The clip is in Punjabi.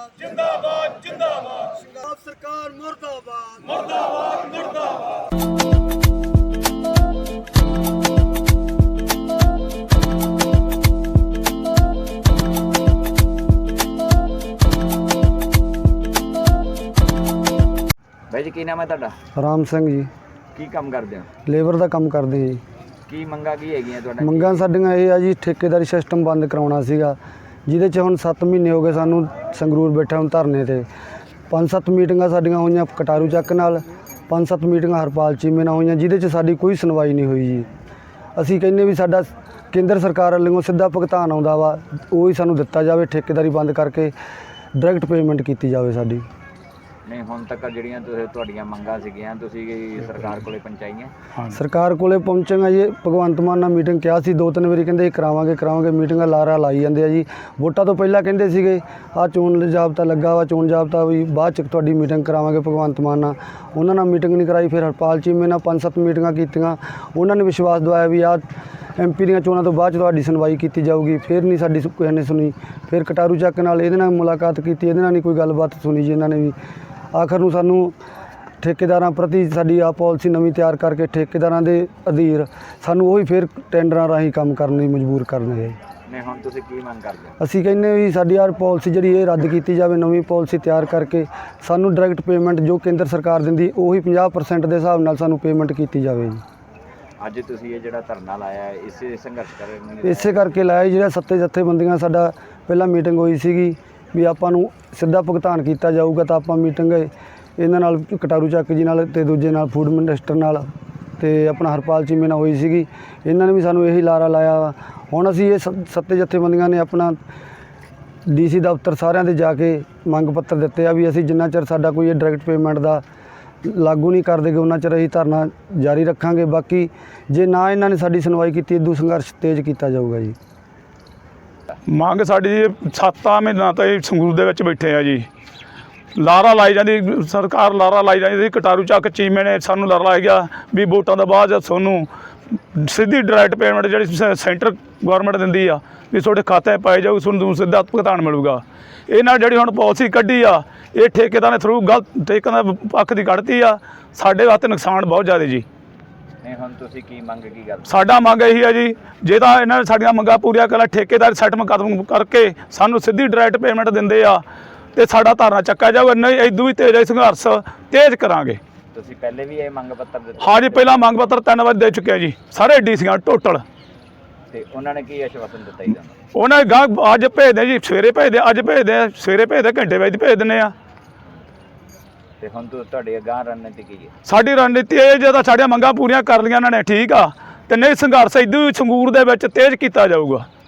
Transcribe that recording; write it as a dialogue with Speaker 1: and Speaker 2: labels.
Speaker 1: जिंदाबाद जिंदाबाद
Speaker 2: पंजाब सरकार मुर्दाबाद
Speaker 1: मुर्दाबाद मुर्दाबाद।
Speaker 3: भाई जी की नाम है ਤੁਹਾਡਾ?
Speaker 2: ਰਾਮ ਸਿੰਘ ਜੀ
Speaker 3: ਕੀ ਕੰਮ ਕਰਦੇ ਹੋ?
Speaker 2: ਲੇਬਰ ਦਾ ਕੰਮ ਕਰਦੇ ਜੀ।
Speaker 3: ਕੀ ਮੰਗਾਂ ਕੀ ਹੈਗੀਆਂ ਤੁਹਾਡਾ?
Speaker 2: ਮੰਗਾਂ ਸਾਡੀਆਂ ਇਹ ਆ ਜੀ, ਠੇਕੇਦਾਰੀ ਸਿਸਟਮ ਬੰਦ ਕਰਾਉਣਾ ਸੀਗਾ, ਜਿਹਦੇ 'ਚ ਹੁਣ 7 ਮਹੀਨੇ ਹੋ ਗਏ ਸਾਨੂੰ ਸੰਗਰੂਰ ਬੈਠਾ ਹੁਣ ਧਰਨੇ ਤੇ। 5-7 ਮੀਟਿੰਗਾਂ ਸਾਡੀਆਂ ਹੋਈਆਂ ਕਟਾਰੂ ਚੱਕ ਨਾਲ, 5-7 ਮੀਟਿੰਗਾਂ ਹਰਪਾਲ ਚੀਮੇ ਨਾਲ ਹੋਈਆਂ, ਜਿਹਦੇ 'ਚ ਸਾਡੀ ਕੋਈ ਸੁਣਵਾਈ ਨਹੀਂ ਹੋਈ ਜੀ। ਅਸੀਂ ਕਹਿੰਦੇ ਵੀ ਸਾਡਾ ਕੇਂਦਰ ਸਰਕਾਰ ਵੱਲੋਂ ਸਿੱਧਾ ਭੁਗਤਾਨ ਆਉਂਦਾ ਵਾ, ਉਹ ਹੀ ਸਾਨੂੰ ਦਿੱਤਾ ਜਾਵੇ, ਠੇਕੇਦਾਰੀ ਬੰਦ ਕਰਕੇ ਡਾਇਰੈਕਟ ਪੇਮੈਂਟ ਕੀਤੀ ਜਾਵੇ ਸਾਡੀ।
Speaker 3: ਨਹੀਂ ਹੁਣ ਤੱਕ ਜਿਹੜੀਆਂ ਤੁਹਾਡੀਆਂ ਮੰਗਾਂ ਸੀਗੀਆਂ ਤੁਸੀਂ ਸਰਕਾਰ ਕੋਲੇ ਪਹੁੰਚਾਈਆਂ?
Speaker 2: ਸਰਕਾਰ ਕੋਲੇ ਪਹੁੰਚਾਂਗਾ ਜੀ, ਭਗਵੰਤ ਮਾਨ ਨਾਲ ਮੀਟਿੰਗ ਕਿਹਾ ਸੀ 2-3 ਵਾਰੀ, ਕਹਿੰਦੇ ਕਰਾਵਾਂਗੇ ਮੀਟਿੰਗਾਂ ਲਾਰਾ ਲਾਈ ਜਾਂਦੇ ਆ ਜੀ। ਵੋਟਾਂ ਤੋਂ ਪਹਿਲਾਂ ਕਹਿੰਦੇ ਸੀਗੇ ਆਹ ਚੋਣ ਜਾਬਤਾ ਲੱਗਾ ਵਾ, ਚੋਣ ਜਾਬਤਾ ਵੀ ਬਾਅਦ 'ਚ ਤੁਹਾਡੀ ਮੀਟਿੰਗ ਕਰਾਵਾਂਗੇ ਭਗਵੰਤ ਮਾਨ ਨਾਲ। ਉਹਨਾਂ ਨਾਲ ਮੀਟਿੰਗ ਨਹੀਂ ਕਰਾਈ, ਫਿਰ ਹਰਪਾਲ ਚੀਮੇ ਨਾਲ 5-7 ਮੀਟਿੰਗਾਂ ਕੀਤੀਆਂ, ਉਹਨਾਂ ਨੇ ਵਿਸ਼ਵਾਸ ਦਿਵਾਇਆ ਵੀ ਆਹ MP ਦੀਆਂ ਚੋਣਾਂ ਤੋਂ ਬਾਅਦ 'ਚ ਤੁਹਾਡੀ ਸੁਣਵਾਈ ਕੀਤੀ ਜਾਊਗੀ। ਫਿਰ ਨਹੀਂ ਸਾਡੀ ਕਿਸੇ ਨੇ ਸੁਣੀ। ਫਿਰ ਕਟਾਰੂ ਚੱਕ ਨਾਲ ਇਹਦੇ ਨਾਲ ਮੁਲਾਕਾਤ ਕੀਤੀ, ਇਹਦੇ ਨਾਲ ਨਹੀਂ ਕੋਈ ਗੱਲਬਾਤ ਸੁਣੀ ਜੀ ਇਹਨਾਂ ਨੇ ਵੀ। ਆਖਰ ਨੂੰ ਸਾਨੂੰ ਠੇਕੇਦਾਰਾਂ ਪ੍ਰਤੀ ਸਾਡੀ ਆ ਪਾਲਿਸੀ ਨਵੀਂ ਤਿਆਰ ਕਰਕੇ ਠੇਕੇਦਾਰਾਂ ਦੇ ਅਧੀਨ ਸਾਨੂੰ ਉਹੀ ਫਿਰ ਟੈਂਡਰਾਂ ਰਾਹੀਂ ਕੰਮ ਕਰਨ ਲਈ ਮਜਬੂਰ ਕਰਨਗੇ।
Speaker 3: ਨਹੀਂ ਹੁਣ ਤੁਸੀਂ ਕੀ ਮੰਗ ਕਰਦੇ ਹੋ?
Speaker 2: ਅਸੀਂ ਕਹਿੰਦੇ ਵੀ ਸਾਡੀ ਆਹ ਪਾਲਿਸੀ ਜਿਹੜੀ ਇਹ ਰੱਦ ਕੀਤੀ ਜਾਵੇ, ਨਵੀਂ ਪਾਲਿਸੀ ਤਿਆਰ ਕਰਕੇ ਸਾਨੂੰ ਡਾਇਰੈਕਟ ਪੇਮੈਂਟ ਜੋ ਕੇਂਦਰ ਸਰਕਾਰ ਦਿੰਦੀ ਉਹੀ 50% ਦੇ ਹਿਸਾਬ ਨਾਲ ਸਾਨੂੰ ਪੇਮੈਂਟ ਕੀਤੀ ਜਾਵੇ ਜੀ।
Speaker 3: ਅੱਜ ਤੁਸੀਂ ਇਹ ਜਿਹੜਾ ਧਰਨਾ ਲਾਇਆ ਹੈ ਇਸੇ ਸੰਘਰਸ਼ ਕਰਨ
Speaker 2: ਇਸੇ ਕਰਕੇ ਲਾਇਆ, ਜਿਹੜਾ 7 ਜਥੇਬੰਦੀਆਂ ਸਾਡਾ ਪਹਿਲਾਂ ਮੀਟਿੰਗ ਹੋਈ ਸੀਗੀ ਵੀ ਆਪਾਂ ਨੂੰ ਸਿੱਧਾ ਭੁਗਤਾਨ ਕੀਤਾ ਜਾਊਗਾ, ਤਾਂ ਆਪਾਂ ਮੀਟਿੰਗ ਇਹਨਾਂ ਨਾਲ ਕਟਾਰੂ ਚੱਕ ਜੀ ਨਾਲ ਤੇ ਦੂਜੇ ਨਾਲ ਫੂਡ ਮਿਨਿਸਟਰ ਨਾਲ ਤੇ ਆਪਣਾ ਹਰਪਾਲ ਚੀਮੇ ਨਾਲ ਹੋਈ ਸੀਗੀ। ਇਹਨਾਂ ਨੇ ਵੀ ਸਾਨੂੰ ਇਹੀ ਲਾਰਾ ਲਾਇਆ। ਹੁਣ ਅਸੀਂ ਇਹ 7 ਜਥੇਬੰਦੀਆਂ ਨੇ ਆਪਣਾ DC ਦਫ਼ਤਰ ਸਾਰਿਆਂ ਦੇ ਜਾ ਕੇ ਮੰਗ ਪੱਤਰ ਦਿੱਤੇ ਆ ਵੀ ਅਸੀਂ ਜਿੰਨਾ ਚਿਰ ਸਾਡਾ ਕੋਈ ਇਹ ਡਾਇਰੈਕਟ ਪੇਮੈਂਟ ਦਾ ਲਾਗੂ ਨਹੀਂ ਕਰ ਦੇਗੇ ਉਹਨਾਂ ਚਿਰ ਅਸੀਂ ਧਰਨਾ ਜਾਰੀ ਰੱਖਾਂਗੇ। ਬਾਕੀ ਜੇ ਨਾ ਇਹਨਾਂ ਨੇ ਸਾਡੀ ਸੁਣਵਾਈ ਕੀਤੀ, ਇਦੋਂ ਸੰਘਰਸ਼ ਤੇਜ਼ ਕੀਤਾ ਜਾਊਗਾ ਜੀ।
Speaker 4: ਮੰਗ ਸਾਡੀ 7 ਮਹੀਨਾ ਤੋਂ ਇਹ ਸੰਗਰੂਰ ਦੇ ਵਿੱਚ ਬੈਠੇ ਆ ਜੀ। ਲਾਰਾ ਲਾਈ ਜਾਂਦੀ ਸਰਕਾਰ, ਲਾਰਾ ਲਾਈ ਜਾਂਦੀ ਸੀ। ਕਟਾਰੂ ਚੱਕ ਚੀਮੇ ਨੇ ਸਾਨੂੰ ਲਾਰਾ ਲਾਇਆ ਗਿਆ ਵੀ ਵੋਟਾਂ ਤੋਂ ਬਾਅਦ ਤੁਹਾਨੂੰ ਸਿੱਧੀ ਡਾਇਰੈਕਟ ਪੇਮੈਂਟ ਜਿਹੜੀ ਸੈਂਟਰ ਗੌਰਮੈਂਟ ਦਿੰਦੀ ਆ ਵੀ ਤੁਹਾਡੇ ਖਾਤੇ ਪਾਈ ਜਾਊ, ਤੁਹਾਨੂੰ ਸਿੱਧਾ ਭੁਗਤਾਨ ਮਿਲੂਗਾ। ਇਹਨਾਂ ਜਿਹੜੀ ਹੁਣ ਪਾਲਿਸੀ ਕੱਢੀ ਆ ਇਹ ਠੇਕੇਦਾਰ ਨੇ ਥਰੂ ਗਲਤ ਠੇਕੇਦਾਰ ਦੇ ਪੱਖ ਦੀ ਕੱਢਤੀ ਆ। ਸਾਡੇ ਵਾਸਤੇ ਨੁਕਸਾਨ ਬਹੁਤ ਜ਼ਿਆਦਾ ਜੀ।
Speaker 3: ਨਹੀਂ ਹੁਣ ਤੁਸੀਂ ਕੀ ਮੰਗ ਕੀ ਕਰਦੇ?
Speaker 4: ਸਾਡਾ ਮੰਗ ਇਹੀ ਆ ਜੀ, ਜੇ ਤਾਂ ਇਹਨਾਂ ਨੇ ਸਾਡੀਆਂ ਮੰਗਾਂ ਪੂਰੀਆਂ ਕਰ ਠੇਕੇਦਾਰ ਸੈਟਲਮੈਂਟ ਕਦਮ ਕਰਕੇ ਸਾਨੂੰ ਸਿੱਧੀ ਡਾਇਰੈਕਟ ਪੇਮੈਂਟ ਦਿੰਦੇ ਆ ਤੇ ਸਾਡਾ ਧਰਨਾ ਚੱਕਿਆ ਜਾਊਗਾ। ਨਹੀਂ ਇਦੋਂ ਵੀ ਤੇਜ਼ ਸੰਘਰਸ਼ ਤੇਜ਼ ਕਰਾਂਗੇ।
Speaker 3: ਤੁਸੀਂ ਪਹਿਲੇ ਵੀ ਇਹ ਮੰਗ ਪੱਤਰ ਦਿੱਤੇ?
Speaker 4: ਹਾਂ ਜੀ, ਪਹਿਲਾਂ ਮੰਗ ਪੱਤਰ 3 ਵਾਰ ਦੇ ਚੁੱਕਿਆ ਜੀ, ਸਾਰੇ DCਆਂ ਟੋਟਲ।
Speaker 3: ਤੇ ਉਹਨਾਂ ਨੇ ਕੀ ਆਸ਼ਵਾਸਨ ਦਿੱਤਾ ਜੀ ਤੁਹਾਨੂੰ?
Speaker 4: ਉਹਨਾਂ ਨੇ ਗਾਂ ਅੱਜ ਭੇਜਦੇ ਜੀ, ਸਵੇਰੇ ਭੇਜਦੇ, ਅੱਜ ਭੇਜਦੇ, ਸਵੇਰੇ ਭੇਜਦੇ, ਘੰਟੇ ਵਿੱਚ ਭੇਜ ਦਿੰਦੇ ਆ।
Speaker 3: ਤੇ ਹੁਣ ਤੁਹਾਡੀ ਅਗਾਂਹ ਰਣਨੀਤੀ ਕੀ ਹੈ?
Speaker 4: ਸਾਡੀ ਰਣਨੀਤੀ ਇਹ ਜੇ ਤਾਂ ਸਾਡੀਆਂ ਮੰਗਾਂ ਪੂਰੀਆਂ ਕਰ ਲਈਆਂ ਇਹਨਾਂ ਨੇ ਠੀਕ ਆ, ਤੇ ਨਹੀਂ ਸੰਘਰਸ਼ ਇਦੋਂ ਵੀ ਸੰਗਰੂਰ ਦੇ ਵਿੱਚ ਤੇਜ਼ ਕੀਤਾ ਜਾਊਗਾ।